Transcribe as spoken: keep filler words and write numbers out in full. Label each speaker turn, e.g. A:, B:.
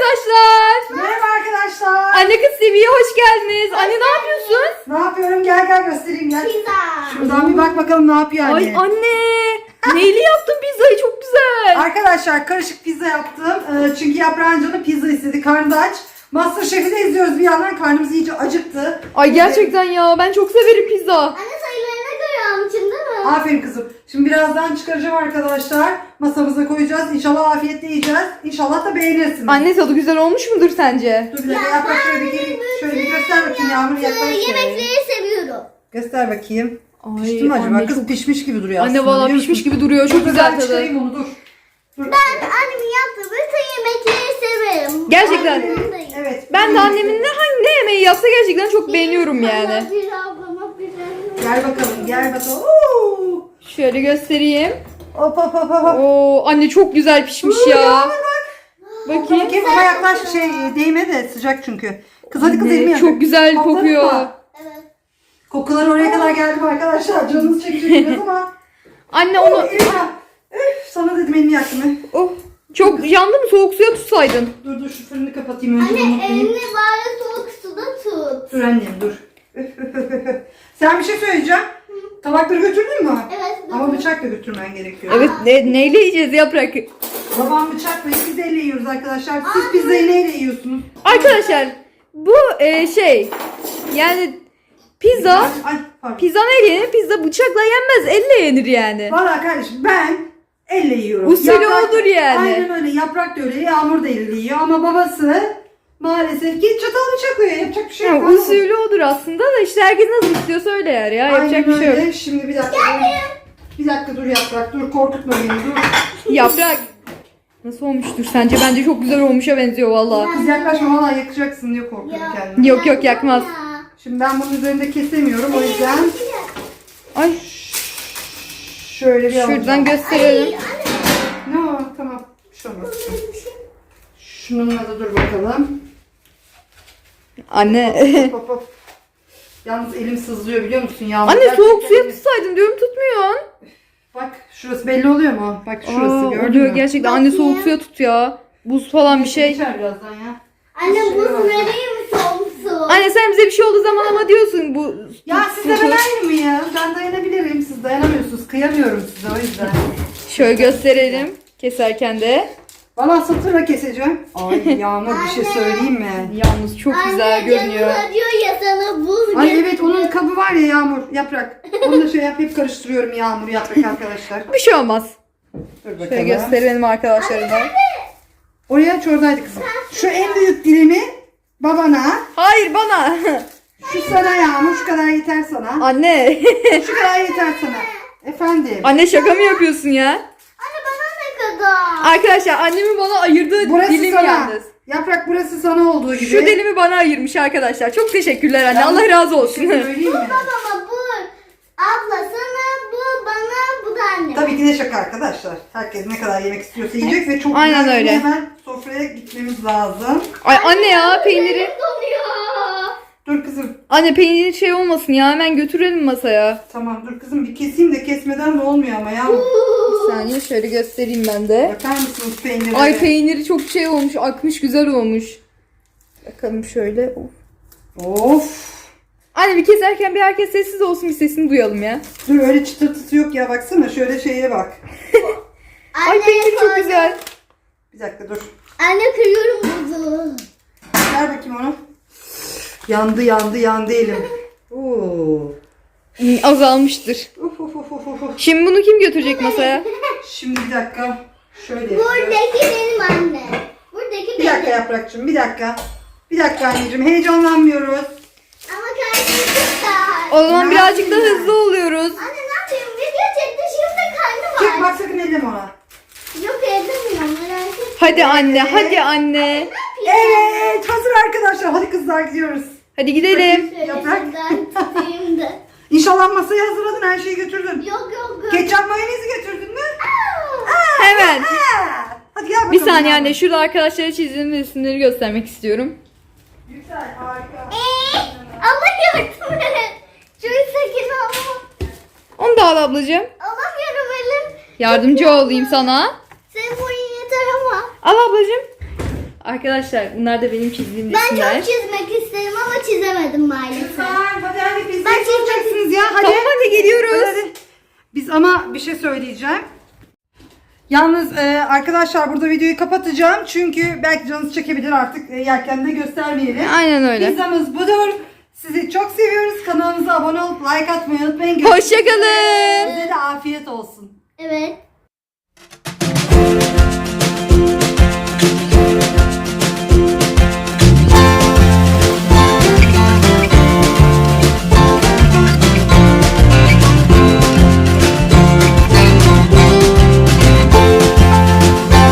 A: arkadaşlar.
B: Merhaba arkadaşlar.
A: Anne Kız T V'ye hoş geldiniz. Anne ne yapıyorsun?
B: Ne yapıyorum? Gel gel göstereyim gel.
C: Pizza.
B: Şuradan bir bak bakalım ne yapıyor anne.
A: Ay anne. Neyli yaptın pizzayı? Çok güzel.
B: Arkadaşlar karışık pizza yaptım. Ee, çünkü Yaprağın canı pizza istedi. Karnı da aç. Masterchef'i de izliyoruz bir yandan. Karnımız iyice acıktı.
A: Ay gerçekten ya ben çok severim pizza.
C: Anne sayılarına göre almışım değil mi?
B: Aferin kızım. Şimdi birazdan çıkaracağım arkadaşlar. Masamıza koyacağız. İnşallah afiyetle yiyeceğiz. İnşallah da beğenirsiniz.
A: Anne tadı güzel olmuş mudur sence?
B: Dur bir dakika Yaprak şöyle bir geri, şöyle bir göster bakayım Yağmur yaklaş şöyle.
C: Yemekleri seviyorum.
B: Göster bakayım.
A: Ay,
B: Pişti mi acaba?
A: anne
B: Kız
A: çok-
B: pişmiş gibi duruyor
A: Anne
B: aslında.
A: valla
B: biliyor
A: pişmiş
B: musun?
A: gibi duruyor. Çok
B: Dur,
A: güzel
B: ben
A: tadı.
B: çıkarayım onu dur. Dur.
C: Ben annemin yaptığı bütün yemekleri severim.
A: Gerçekten.
C: Annemin de-
B: Evet.
A: Ben de annemin ne hangi ne yemeği yapsa gerçekten çok beğeniyorum yani.
C: Bana bir ablama bir anne.
B: Gel bakalım gel bakalım. Oo.
A: Şöyle göstereyim.
B: Hop hop hop hop.
A: Oo anne çok güzel pişmiş ya. Bakayım.
B: Bakayım ama yaklaş şey değme de sıcak çünkü. Kız hadi kız
A: Anne,
B: elimi yak.
A: çok güzel
B: Kokladın
A: kokuyor.
B: mı?
C: Evet.
B: Kokular oraya kadar geldi mi arkadaşlar? Canınız çekecek biraz ama.
A: Anne
B: Oh,
A: onu
B: elimi yak. Üf, sana dedim elimi yaktım. He.
A: oh, çok yandı mı soğuk suya tutsaydın.
B: Dur dur şu fırını kapatayım önce.
C: Anne
B: unutmayayım.
C: elini bari soğuk suda tut.
B: Dur annem dur. Üf, üf, üf, üf. Sen bir şey söyleyeceğim. Tabakları götürdün mü?
C: Evet.
B: Ama bıçakla götürmen gerekiyor.
A: Evet ne, neyle yiyeceğiz yaprak?
B: Babam bıçakla biz elle yiyoruz arkadaşlar. Siz pizzayı neyle yiyorsunuz?
A: Arkadaşlar bu e, şey yani pizza
B: Ay pardon.
A: pizza neyle yenir? Pizza bıçakla yenmez elle yenir yani.
B: Valla kardeşim ben elle yiyorum.
A: Usulü odur yani.
B: Aynen öyle. Yaprak da öyle. Yağmur da elle yiyor. Ama babası maalesef ki çatal bıçak yiyor. Yapacak bir şey yok.
A: Yani usulü odur aslında da işte herkes nasıl istiyorsa öyle yer ya. Yapacak
B: Aynen
A: bir şey yok.
B: öyle. Şimdi bir dakika. Bir dakika dur Yaprak. Dur korkutma beni. Dur.
A: Yaprak. Nasıl olmuştur sence? Bence çok güzel olmuşa benziyor valla.
B: Kız yaklaşma valla yakacaksın diye korkuyorum
C: Ya.
B: kendimi.
A: Yok yok yakmaz.
B: Şimdi ben bunun üzerinde kesemiyorum. O yüzden
A: Ay
B: şöyle bir
A: şuradan
B: alacağım.
A: gösterelim.
B: Ne o? Tamam. Bir şey olmaz. Şununla da dur bakalım.
A: Anne.
B: Hop hop. Yalnız elim sızlıyor biliyor musun Yağmur?
A: Anne
B: Gerçekten
A: soğuk suya
B: elim-
A: tutsaydın diyorum tutmuyorsun.
B: Bak şurası belli oluyor mu? Bak şurası
A: Aa,
B: gördün
A: oluyor
B: mü?
A: gerçekten. Anne soğuk suya tut ya. Buz falan bir şey.
B: Geçer birazdan ya.
C: Anne buz vereyim mi soğuk su?
A: Anne sen bize bir şey olduğu zaman ama diyorsun bu.
B: Ya
A: su-
B: sizle
A: su-
B: ben aynı mı ya? Ben dayanabilirim. Siz dayanamıyorsunuz. Kıyamıyorum size o yüzden.
A: Şöyle gösterelim keserken de.
B: Valla satırla keseceğim. Ay Yağmur bir şey söyleyeyim mi?
A: Yalnız çok güzel görünüyor.
C: Anne diyor ya sana buz
B: Ay
C: getir.
B: evet onun kabı var ya Yağmur yaprak. Onu da şey yap hep karıştırıyorum Yağmur yaprak arkadaşlar.
A: Bir şey olmaz.
B: Dur bakalım.
A: Şöyle gösterelim arkadaşlarına.
B: Oraya aç oradaydı kızım. Şu en büyük dilimi babana.
A: Hayır bana.
B: Şu sana Yağmur şu kadar yeter sana.
A: Anne.
B: Şu kadar yeter sana. Efendim.
A: Anne şaka mı yapıyorsun ya?
C: Anne bana ne kadar?
A: Arkadaşlar annemin bana ayırdığı
B: Burası
A: dilim
B: sana.
A: yalnız.
B: Yaprak burası sana olduğu gibi.
A: Şu dilimi bana ayırmış arkadaşlar. Çok teşekkürler anne.
B: Yalnız
A: Allah razı
B: bir
A: olsun.
B: şey söyleyeyim mi?
C: Babama bu abla sana bu bana bu da anne.
B: Tabii ki de şaka arkadaşlar. Herkes ne kadar yemek istiyorsa yiyecek ve çok
A: Aynen
B: güzel
A: öyle.
B: hemen sofraya gitmemiz lazım.
A: Ay anne ya peyniri.
C: Donuyor.
B: Dur kızım.
A: Anne peyniri şey olmasın ya hemen götürelim masaya.
B: Tamam dur kızım bir keseyim de kesmeden de olmuyor ama ya.
A: Bir saniye şöyle göstereyim ben de.
B: Bakar mısınız peynire?
A: Ay peyniri çok şey olmuş, akmış, güzel olmuş. Bakalım şöyle. Of.
B: Of.
A: Anne bir keserken bir herkes sessiz olsun bir sesini duyalım ya.
B: Dur öyle çıtırtısı yok ya baksana şöyle şeye bak.
A: Ay
C: Anne,
A: peynir çok
C: koy-
A: güzel.
B: Bir dakika dur.
C: Anne kırıyorum buzu.
B: Ver bakayım onu. Yandı yandı yandı elim. Oo.
A: Hmm, azalmıştır.
B: Uf, uf, uf, uf, uf.
A: Şimdi bunu kim götürecek masaya?
B: Şimdi bir dakika. Şöyle yapacağız.
C: Buradaki benim anne. Buradaki
B: Bir
C: benim.
B: dakika Yaprakçığım bir dakika. Bir dakika anneciğim heyecanlanmıyoruz.
C: Ama karnım çok da.
A: O zaman
B: Ne
A: birazcık da
B: yapayım ya?
A: hızlı oluyoruz.
C: Anne ne yapayım? Video çekti şimdi karnım
B: Çık
C: var.
B: bak sakın elleme ona.
C: Yok edemiyorum merak etme.
A: Hadi anne, hadi anne.
B: Evet hazır arkadaşlar. Hadi kızlar gidiyoruz.
A: Hadi gidelim.
C: Şöyle
B: Yaprak.
C: şuradan tutayım da.
B: İnşallah masayı hazırladın her şeyi götürdün.
C: Yok yok yok.
B: Ketçap mayonezi götürdün mü?
C: Aa!
A: Hemen.
B: Ha. Hadi gel bakalım.
A: Bir saniye anne, şurada arkadaşlara çizdiğim resimleri göstermek istiyorum.
B: Güzel harika.
C: Ee, Allah yardım et. Çok sakin ol.
A: Onu da al ablacığım.
C: Alamıyorum elim.
A: Yardımcı olayım sana.
C: Senin boyun yeter ama.
A: Al ablacığım. Arkadaşlar bunlar da benim çizdiğim
C: Ben
A: resimler.
C: çok çizmek isterim ama çizemedim maalesef.
B: Lütfen hadi hadi pizzayı
C: Ben çizmek-
B: soracaksınız ya. Hadi.
A: Tamam hadi geliyoruz.
B: Hadi, hadi. Biz ama bir şey söyleyeceğim. Yalnız e, arkadaşlar burada videoyu kapatacağım. Çünkü belki canınız çekebilir artık. E, yerken de göstermeyelim.
A: Aynen öyle.
B: Pizzamız budur. Sizi çok seviyoruz. Kanalımıza abone olup like atmayı unutmayın. Görüşmek
A: Hoşçakalın.
B: üzere. Size de afiyet olsun.
C: Evet.